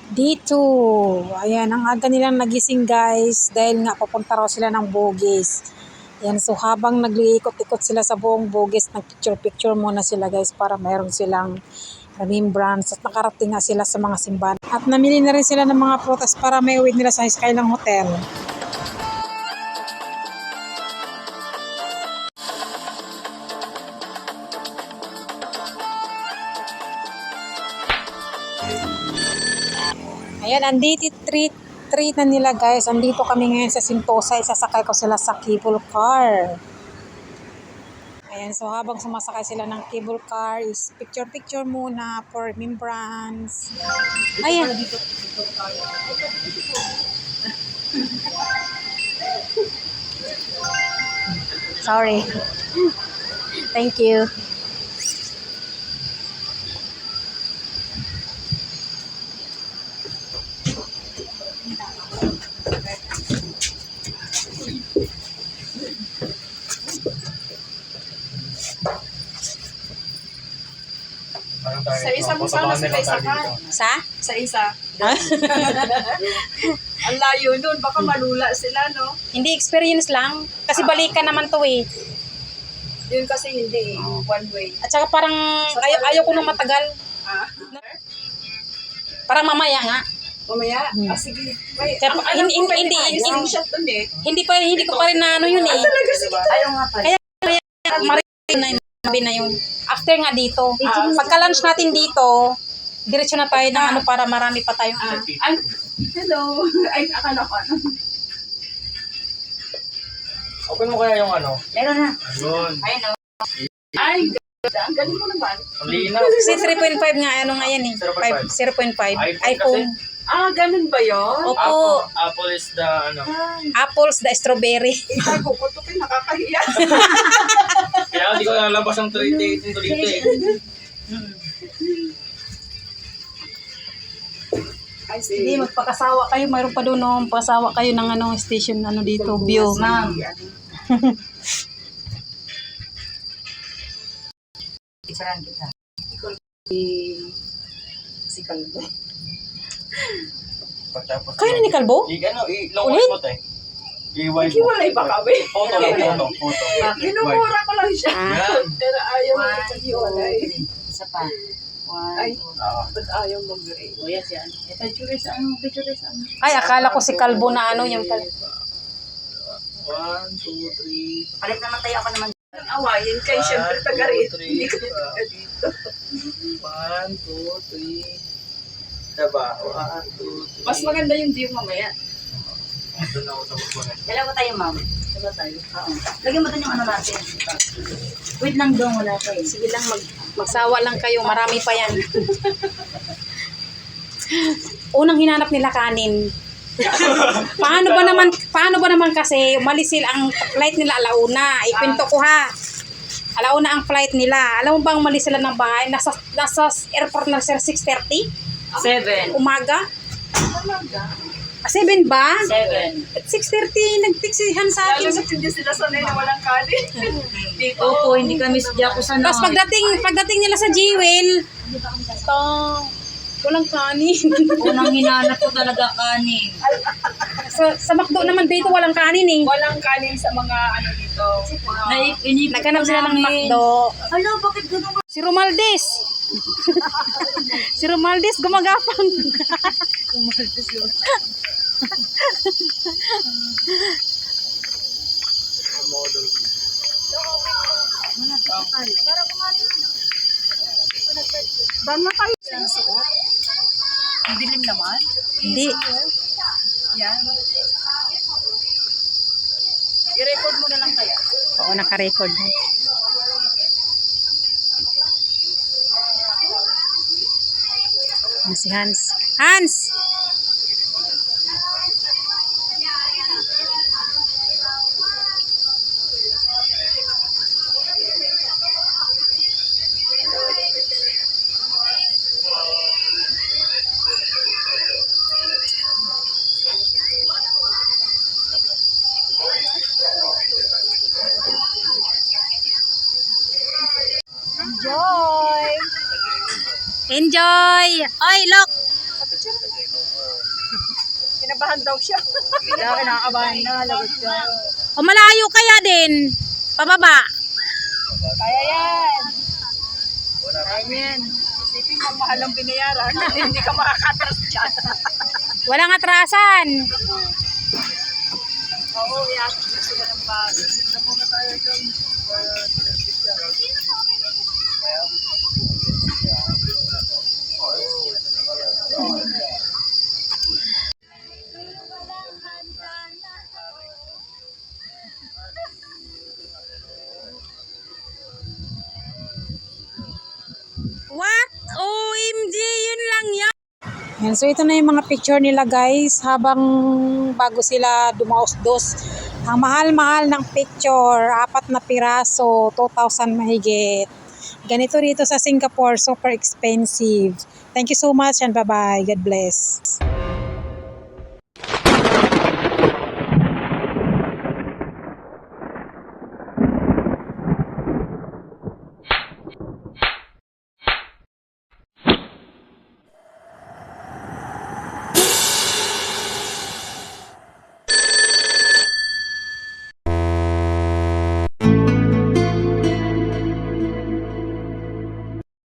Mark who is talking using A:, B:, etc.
A: Dito, ayan, ang aga nilang nagising guys dahil nga papunta raw sila ng Bugis. Ayan, so habang nagliikot-ikot sila sa buong Bugis, nagpicture-picture muna sila guys para mayroon silang remembrance at nakarating nga sila sa mga simbahan. At namili na rin sila ng mga prutas para may uwi nila sa Skyline Hotel. Ayan, andito treat na nila guys. Andito kami ngayon sa Sentosa. Isasakay ko sila sa cable car. Ayan, so habang sumasakay sila ng cable car is picture muna for remembrance. Ayan. Sorry. Thank you.
B: Sa isa mo sana sila isakan. Sa isa. Ang layo nun, baka malula sila, no?
A: Hindi experience lang. Kasi balikan naman to eh.
B: Yun kasi hindi, one way.
A: At saka parang ayaw ko nang matagal. Parang mamaya nga.
B: Mamaya? Sige. Wait,
A: Kaya, hindi ko pa rin na ano yun eh.
B: Talaga, sige. Ayaw nga pala.
A: Kaya marinig na yun. After nga dito. Pagka-lunch natin dito, diretso na tayo ng ano para marami pa tayong
B: Ay, hello. Ay, akala ko ano.
C: Open mo kaya yung ano?
B: Meron na.
C: Ayun.
B: Ayun o. Ay, ganda. Ang galing mo naman.
C: Ang linaw.
A: Kasi 3.5 nga ano nga yan eh. 0.5. iPhone.
B: Ganun ba yun?
A: Opo.
C: Apple is the ano.
A: Apples, the strawberry.
B: Itago ko ito, nakakahiya.
C: Kaya hindi ko nalabas ang 38 yung dito eh.
B: Ay,
A: Hindi, magpakasawa kayo. Mayroon pa doon no, pasawa kayo ng ano, station ano dito, view.
B: Ma'am. Isaran kita. Si Kalbo.
C: Pagtapos.
A: Kayo na ni Kalbo?
C: I-long watch mo tayo. I-wipe mo.
B: Hiwalay ba kami?
C: Photo lang, photo.
B: Minumura ko lang siya.
C: Yan.
B: Pero ayaw mo hiwalay.
D: Isa pa.
B: Ay, ba't ayaw mag-rate?
D: O yan siya. Picture sa ano?
A: Ay, akala ko si Kalbo na ano, yung pala.
C: 1, 2, 3.
D: Palit naman tayo ako naman.
B: Awayin kayo, syempre taga-rate. Hindi ko taga dito.
C: 1, 2, 3. Diba? 1, 2, 3.
B: Mas maganda yung view mamaya.
C: Doon ako sa buwan.
D: Dalawa tayo, ma'am. Dalawa tayo. Oo. Lagyan mo doon yung ano natin. Wait lang doon, wala pa eh.
A: Sige lang, magsawa lang kayo. Marami pa yan. Unang hinanap nila kanin. Paano ba naman kasi umalis sila ang flight nila alauna. Ipinto ko ha. Alauna ang flight nila. Alam mo bang umalis sila ng bahay? Nasa airport na sila 6:30?
D: 7.
A: Umaga?
B: Talaga?
A: 7 ba?
D: 7.
A: At 6:30 nagtiksihan sa
B: Lalo
A: akin.
B: sa hindi sila sanay na walang kanin. Dito.
D: Opo, hindi kami sadya ko sana.
A: Tapos pagdating nila sa Jewel, walang kanin.
D: Unang hinanap ko talaga kanin.
A: sa McDo naman dito walang kanin eh.
B: Walang kanin sa mga ano dito.
A: Naghanap sila ng McDo.
D: Hala, bakit gano'n?
A: Si Romaldes. Si Romaldes gumagapang.
B: Ban na kayo. Ang dilim naman.
A: Hindi.
B: Yan. I-record mo na lang kaya.
A: Oo, naka-record. Si Hans. Hans! Enjoy! Enjoy! Oy, look!
B: kinakabahan daw siya.
D: Kinakabahan na, lagot ka.
A: O malayo kaya din. Pababa.
B: Kaya yan. Kaya yan. Isipin mo, mahal ang binayaran. Hindi ka makakatras dyan.
A: Walang atrasan.
B: Oo, yan. Sila ng bago. Dito muna tayo dyan.
A: What? OMG, yun lang yan. Yan, so ito na yung mga picture nila guys habang bago sila dumaos-dos. Ang mahal-mahal ng picture, 4 na piraso, 2,000 mahigit. Ganito rito sa Singapore, super expensive. Thank you so much and bye-bye. God bless.